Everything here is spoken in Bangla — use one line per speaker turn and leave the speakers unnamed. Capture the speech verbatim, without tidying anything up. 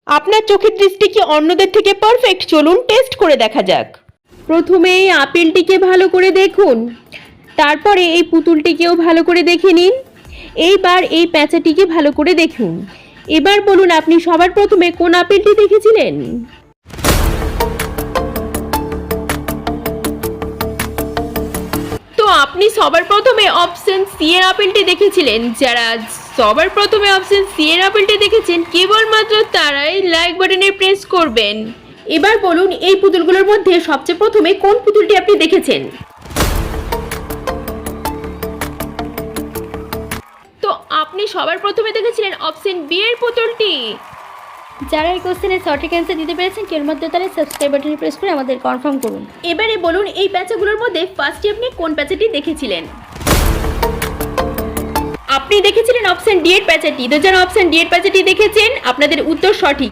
আপনার চোখের দৃষ্টি কি অন্যদের থেকে পারফেক্ট? চলুন টেস্ট করে দেখা যাক। প্রথমে এই আপেলটিকে ভালো করে দেখুন, তারপরে এই পুতুলটিকেও ভালো করে দেখে নিন। এইবার এই প্যাঁচাটিকে ভালো করে দেখুন। এবার বলুন আপনি সবার প্রথমে কোন আপেলটি দেখেছিলেন? তো আপনি সবার প্রথমে অপশন সি এর আপেলটি দেখেছিলেন। যারা সবার প্রথমে অপশন সি এর আপেলটি দেখেছেন কেবলমাত্র তারাই লাইক বাটনে প্রেস করবেন। এবার বলুন এই পুতুলগুলোর মধ্যে সবচেয়ে প্রথমে কোন পুতুলটি আপনি দেখেছেন? তো আপনি সবার প্রথমে দেখেছিলেন অপশন বি এর পুতুলটি।
যারা এই কোশ্চেনের সঠিক অ্যান্সার দিতে পেরেছেন কেবলমাত্র তারা সাবস্ক্রাইব বাটনে প্রেস করে আমাদের কনফার্ম করুন।
এবারে বলুন এই প্যাঁচাগুলোর মধ্যে ফার্স্টে আপনি কোন প্যাঁচাটি দেখেছিলেন? আপনি দেখেছিলেন অপশন ডি এর প্যাঁচাটি। তো যারা অপশন ডি এর প্যাঁচাটি দেখেছেন আপনাদের উত্তর সঠিক।